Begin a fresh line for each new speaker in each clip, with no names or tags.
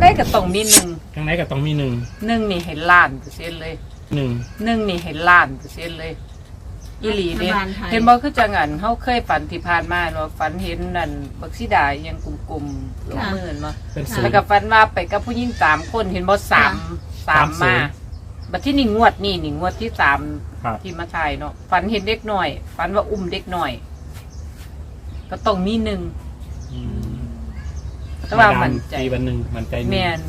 ได้ก็ต้องมีหนึ่ง
จังไหนก็ต้องมีหนึ่ง
นี่เห็นล้านเปอร์เซ็นต์เลย
หนึ่ง
นี่เห็นล้านเปอร์เซ็นต์เลยอีหลีเด้เห็นบ่คือจังอันเฮาเคยฝันที่ผ่านมาเนาะฝันเห็นนั่นบักสีดายังกลุ่มๆลงมือมา
เป็นศูน
แล้ว
ย์
ก็ฝันว่าไปกับผู้หญิง3คนเห็นบ่3มาบัดที่นี่งวดที่3
ครับ
ที่มาถ่ายเนาะฝันเห็นเด็กน้อยฝันว่าอุ้มเด็กน้อย ก็ต้องมีหนึ่ง
อืม
แต่ว่ามันใจ
ตีวันหนึ่งมันใจหนึ่ง
แม่น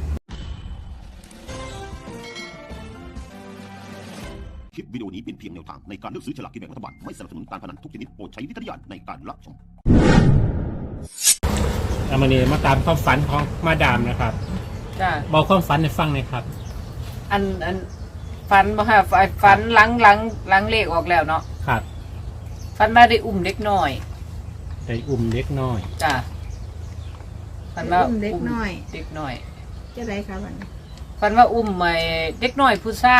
คลิปวิดีโอนี้เป็นเพียงแนวทางในการเลือกซื้อฉลากกินแบ่งรัฐบาลไม่สนับสนุนการพนันทุกชนิดโปรดใช้วิจารณญาณในการรับชม
เอามาเนี่ยมาตามความฝันของมาดามนะครับ
จ้า
บอกความฝันให้ฟังหน่อยครับ
อันฝันบ่ค่ะฝันหลังเลขออกแล้วเนาะ
ครับ
ฝันมาได้อุ้มเด็กน้อย
ได้อุ้มเล็กน้อย
จ้าฝันว่า
อุ้มเด็กน้อย
เด็กน้อย
จะไรคะวันนี้
ฝันว่าอุ้มไอ้เด็กน้อยผู้ชาย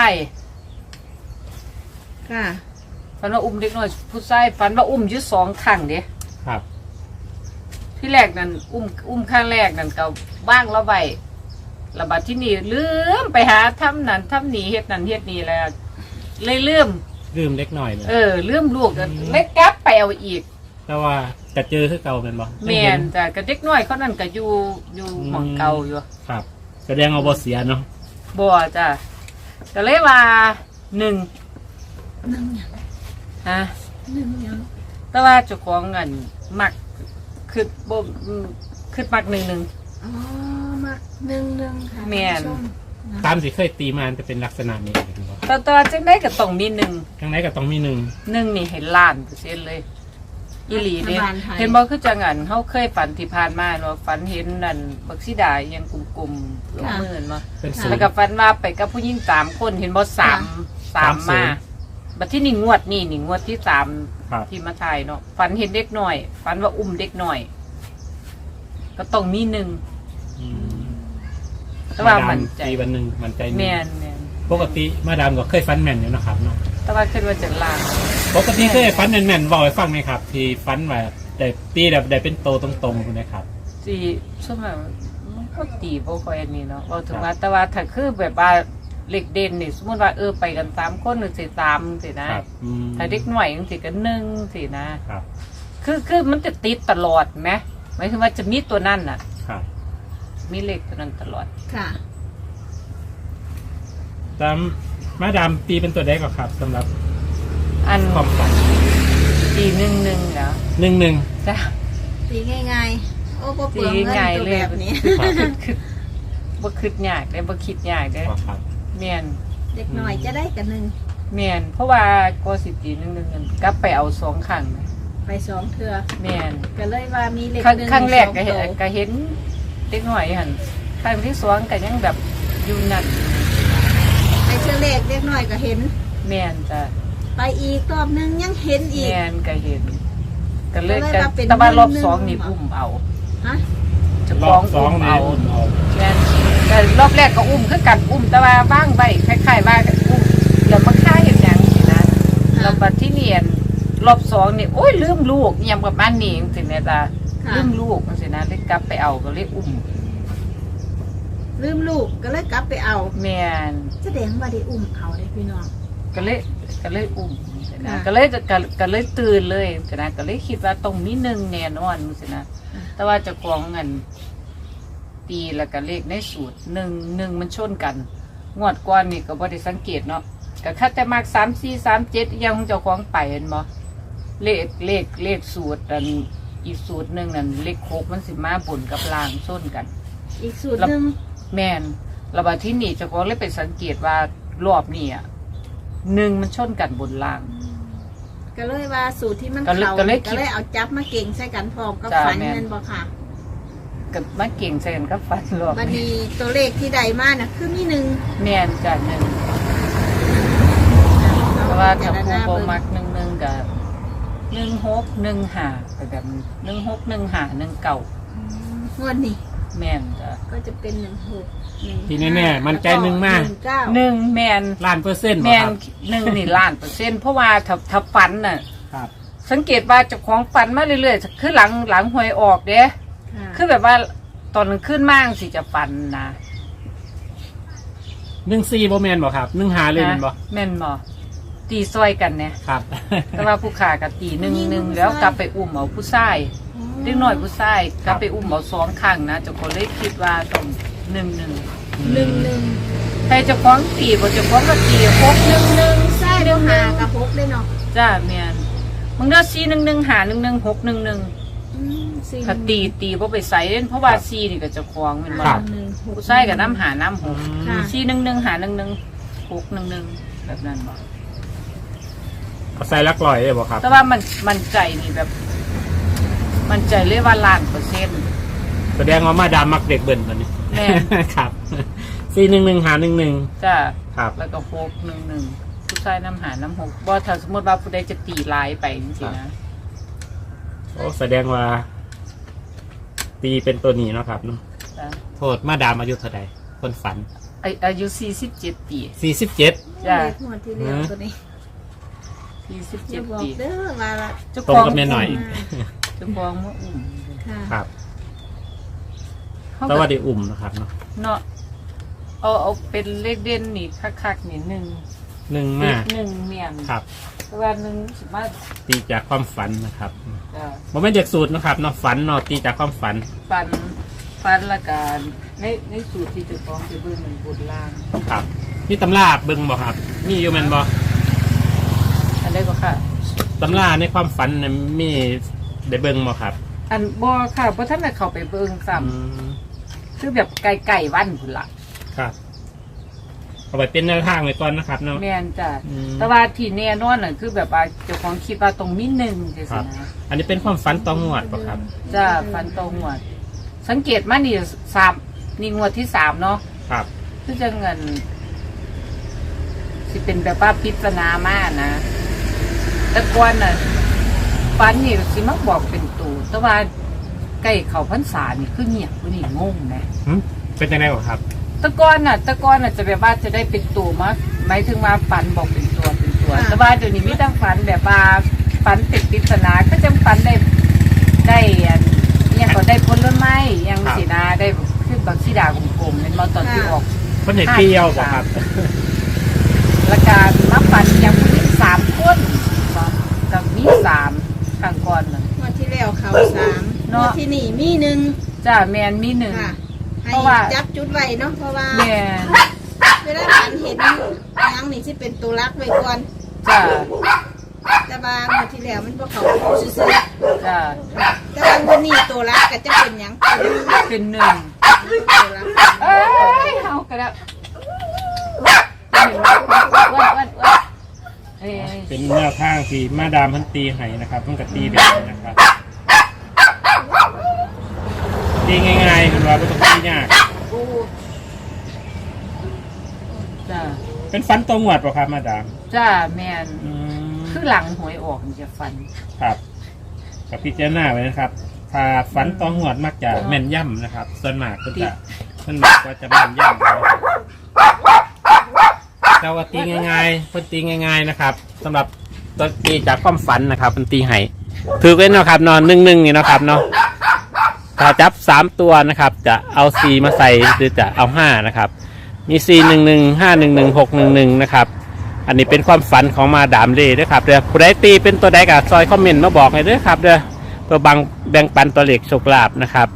ค่ะ
ฝันว่าอุ้มเด็กน้อยผู้ชายฝันว่าอุ้มอยู่2ครั้งเด้
ครับ
ที่แรกนั่นอุ้มข้างแรกนั่นก็ว่างแล้วไว้ระบาดที่นี่ลืมไปหาทำนั่นทำนี่เฮ็ดนั่นเฮ็ดนี่แล้วเลยลืม
ลืมเล็กน้อยเลย
ลืมลูกเล็กกลับไปเอาอีก
แต่ว่าจะเจอคือเก่าเป็นบ่
แม่นจ้ะก็เด็กน้อยเขานั่นก็อยู่หม่องเก่าอยู่
ครับแสดงเอาบ่เสียเนาะ
บ่จ้ะก็เลยว่า1
นึ่งยัง
ฮะ
นึ่งยัง
แต่ว่าเจ้าของเงินมักคือบ่คือมัก1
อ๋อมานึ่งค่ะ
แม่น
ท่าผู้ชนะ
ตามที่เคยตีมาจะเป็นลักษณะนี้เห็นบ่
แต่ว่าจังได๋ก็ต้องมี1
จังไหนก็ต้องมีหนึ่ง
นี่เห็นล้านเปอร์เซ็นต์เลยอีหลีเด้
รัฐบาลไทย
เห็นบ่คือจังอันเฮาเคยฝันที่ผ่านมาเนาะฝันเห็นนั่นบักสีดายังกลุ่มๆลงมือมา
เป็นศูน
แล้ว
ย์
ก็ฝันว่าไปกับผู้หญิง3คนเห็นบ่3มาบัดที่นี่งวดที่3
ครับ
ที่มาถ่ายเนาะฝันเห็นเด็กน้อยฝันว่าอุ้มเด็กน้อย ก็ต้องมี1
อืม
แต่ว่ามันใจ
ตีวันหนึ่งมันใจหนึ่ง
แม่น
ปกติมาดามก็เคยฟันแม่นอยู่นะครับเนาะ
แต่ว่าคิดว่าจะล้าน
ปกติเคยฟันแม่นๆบอกให้ฟังไหมครับ ที่ฟันแบบได้ตีแบบได้เป็นโตตรงๆนะครับ
สิช่วงนั้นมันก็ตีบ่ค่อยอันนี้เนาะเอาถึงว่าแต่ว่าถ้าคือแบบว่าเล็กเด่นนี่สมมติว่าไปกัน3คนหรือสิ3สินะครับ
อืม
ถ้าเด็กหน่อยจังสิก็1สินะครับ คือมันจะติดตลอดไหมหมายถึงว่าจะมีตัวนั่นน่ะ
ครับ
มีเลขตัวนั้นตลอด
ค่ะ
ตามมาดามตีเป็นตัวใดก็ครับสำหรับ
อัน
ความฝัน
ตี1แล้ว
1
จ้ะ
ตีง่ายๆ โอ้บ่เปลืองเงิน
ตีง่าย
ตัว
เลย
แบบนี้
คือบ่คิดยากได้บ่คิดยากได้
ครับ
แม่น
เด็กหน่อยจะได้กันหนึ่ง
แม่นเพราะว่าก็สิตี1กันกลับไปเอา2ครั้งนะ
ไป2เทื่อ
แม่น
ก็เลยว่ามีเลข
ครั้ง
หนึ่ง
ครั้งแรก
ส
ก็
อง
เห็น
โต
ก็เห็นเด็กหน่อยหันครั้งที่2ก็ยังแบบอยู่นั่น
ไปเทื่อเลขเด็กหน่อยก็เห็น
แม่นจ้ะ
ไปอีกรอบนึงยังเห็นอีก
แม่นก็เห็นก็เลย
ก็เลย
ก็
ว่าเป็น
แต่ว่ารอบ
หนึ่ง
2นี่อุ้มเอา
ฮะ
เจะ
ร
ฟ้า
อ
ข
บ
อง
สอง
อุ้ม
นี่
เอา
อุ่นเอา
แม่นแต่รอบแรกก็อุ้มคือกันอุ้มแต่ว่าบ้างไว้คล้ายๆว่าอุ้มแล้วมาฆ่าเห็นหยังสินะแล้วบัดที่เนียนรอบ2นี่โอ้ยลืมลูกเนี่ยประมาณนี้จังซี่แม่จ้ะ
ค่ะ
ลืมลูกจังซี่นะเลยกลับไปเอาก็เลยอุ้ม
ลืมลูกก็เลยกลับไปเอา
แม่น
แสดงว่าได้อุ้มเอาได้พี่น้อง
ก็เลยอุ้มนะ
ค่ะ
ก็เลยตื่นเลยนะก็เลยคิดว่าต้องมี1แน่นอนสินะแต่ว่าเจ้าของเงินตีแล้วก็เลขในสูตร1มันชนกันงวดก่อนนี่ก็บ่ได้สังเกตเนาะก็คัดแต่มาก3 4 3 7ยังของเจ้าของไปเห็นบ่เลขสูตรอันอีกสูตรหนึงนั่นเลข6มันสิมาบนกับล่างชนกัน
อีกสูตรหนึ่ง
แม่นแล้วบัดที่นี่เจ้าของเลยไปสังเกตว่ารอบนี้อ่ะ1มันชนกันบนล่าง
ก็เลยว่าสูตรที่มัน
ก็เลย
เขา
ก็เลยคิ
ก็
ด
เลยเอาจับมาเก่งใส่กันพร้อมกับ
จ้า
ฝัน
แม่น
เงินบ่ค่ะ
กับมาเก่งใส่กันกับฟันรอบ
บัดนี้ตัวเลขที่ใดมาน่ะคือมีหนึ่ง
แม่นจ้ะหนึ่งเพราะว่าถ้าผู้บ่มัก1กับ16 15ไปแบบ16 15
งวดนี้
19แม่นจ้ะ
ก็จะเป็น16
ที่แน่ๆมันใจหนึ่งมาก
19
1แม่น
1,000,000%
แม่
คน รับ
1นี่ล้านเปอร์เซ็นต์เพราะว่าถ้าฝันน่ะ
ครับ
สังเกตว่าเจ้าของฝันมาเรื่อยๆคือหลังหวยออกเด้
ค่ะ
คือแบบว่าตอนกลางคืนมากสิจะฝันนะ
14บ่แม่นบ่ครับ15เลยแม่นบ่
แม่นบ่ตีซอยกันเนี่ย
ครับ
แต่ว่าผู้ขากับตีหนึ่งแล้วกลับไปอุ้มเอาผู้ชายเล็กน้อยผู้ชายกลับไปอุ้มเอา2ครั้งนะเจ้าก็เลยคิดว่าต้อง1
11
ใครเจะฟ้าของตีบ่เจะฟ้าของก็ตี6
ใช่เดี๋ยวหากับพกได้เนาะ
จ้าแม่นมึงเด้อ411หา11 611
4
ถ้าตีบ่ไปใส่เล่นเพราะว่า4นี่ก็เจะฟ้าของแม่นบ่
ครับ
ผู้ชายก็น้ำหาน้ำหก
ค่ะ
411หา11 611แบบนั้นบ่
เอาใส่ลักลอยได้บ่ครับ
แต่ว่ามันใจนี่แบบ มันใจเลยว่า1,000%
แสดงว่ามาดามมักเด็กเบิ่นตัวนี้
แม่
ครับ411หา11
จ้า
ครับ
แล้วก็611ผู้ชายน้ำหาน้ำหกบ่ถ้าสมมติว่าผู้ใดจะตีลายไปจริงๆนะ
โอ้แสดงว่า ตีเป็นตัวนี้เนาะครับเนาะ
จ้ะ
โทษมาดามอายุเท่าใดคนฝัน
อายุ47 ปี
47
จ้า
เลขงวดที่แล้วตัวนี้อย่าบ
47
อก
ปี
เด้อว่าละ
เจ้า
ตรงกับแม่หน่อย
เจ้าของมาอุ้ม
ค่ะ
ครับ
เขา
แต่
ก็
ว่าได้อุ่มนะครับเนาะ
เนาะเอาเป็นเลขเด่นนี่คักๆนี่
1
1
มา
1เมียน
ครับ
แต่ว่า1สิมา
ตีจากความฝันนะครับ
จ้า
บ่แม่นจากสูตรนะครับเนาะฝันเนาะตีจากความฝัน
ฟันละกันในสูตรที่เจ้าของจะเบิ่งมันบนล่าง
ครับนี่ตำราเบิ่งบ่ครับมีอยู่แม่นบ่
อันใดก็ค่ะ
ตำราในความฝันน่ะมีได้เบิ่งบ่ครับ
อันบ่ค่ะเพราะท่านน่ะเข้าไปเบิ่งซ้ำ
อืม
คือแบบไก่วันพุ่นละ
ครับเอาไปเป็นแนวทางไว้ก่อนนะครับเนาะ
แม่นจ้ะ
อืม
แต่ว่าที่แน่นอนน่ะคือแบบว่าเจ้าของคิดว่าตรงมีหนึ่งจัง
ค
ซี่
รับ
นะ
อันนี้เป็นความฝันต่องวดป่ะครับ
จ้ะฟันตรงหวด สังเกตมานี่3นี่งวดที่3เนาะ
ครับ
คือจะเงินสิเป็นแบบว่าพิจารณามากนะแต่ก่อนน่ะฟันนี่สิมาบอกเป็นตูแต่ว่าใกล้เข้าพรรษานี่คือเงียบผู้นี่งงนะ
หึเป็นยังไงบ่ครับ
แตะกอนน่ะจะแบบว่าจะได้เป็นตัวมาหมายถึงว่าฝันบอกเป็นตัวแต่ว่าเดี๋ยวนี้มีแต่ฝันแบบว่าฝันติดปริศนาก็จะฝันได้อันยังก็ได้ผลไม้ยังสีนาได้คือบางสีดากลมๆเป็นมาตอนที่ออก
คนไหนเปรี้ยวบ่ครับ
และการมาฝันยังผู้หญิง3 คนกับมี3ข้างก่อนน่ะ
งวดที่แล้วเขา3
เนาะ
งวดที่นี่มี1
จ้าแมนมี1
ค่ะ ให้
เพราะว่า
จับจุดไว้เนาะเพราะว่า
แมน
เวลาฝันเห็นยังนี่สิเป็นตัวรักไว้ก่อน
จ้า
แต่ว่างวดที่แล้วมันบ่เขาซื่อ
จ้า
ๆแต่ว่างวดนี้ตัวรักก็จะเป็นหยัง
เป็น1
ตัวรัก
เอ้ยเฮาก็แล้วเอ้ย
เป็นแนวทางที่มาดามเพันตีให้นะครับเพิ่งกับตีแบบนี้นะครับตีง่ายๆคุณว่าไม่ต้องตียาก
จ้า
เป็นฝันตรงงวดป่ะครับมาดาม
จ้าแมน
อืม
คือหลังหวยออกมันจะฟัน
ครับกับพิจารณาไว้นะครับ ถ้าฝันตรงงวดมักจะแม่นย่ำนะครับ ส่วนมากก็จะก็จะแม่นย่ำนะครับแต่ว่าตีง่ายๆเพิ่นตีง่ายๆนะครับสำหรับตัวตีจากความฝันนะครับเพิ่นตีให้ถือไว้เนาะครับนอน1นี่เนาะครับเนาะถ้าจับ3ตัวนะครับ จะเอา4มาใส่หรือจะเอา5นะครับมี411 511 611นะครับ อันนี้เป็นความฝันของมาดามเล่ด้วยครับเด้อผู้ใดตีเป็นตัวใดกับซอยคอมเมนต์มาบอกให้ด้วยครับเด้อตัวแบ่งปันตัวเลขโชคลาภนะครับ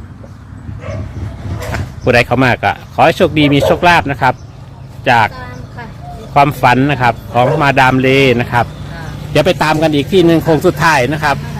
ผู้ใดเข้ามาก็ขอให้โชคดีมีโชคลาภนะครับ จาก
ตามค่ะ
ความฝันนะครับของมาดามเล่นะครับ เดี๋ยวไปตามกันอีกที่หนึ่งโค้งสุดท้ายนะครับ
ค่ะ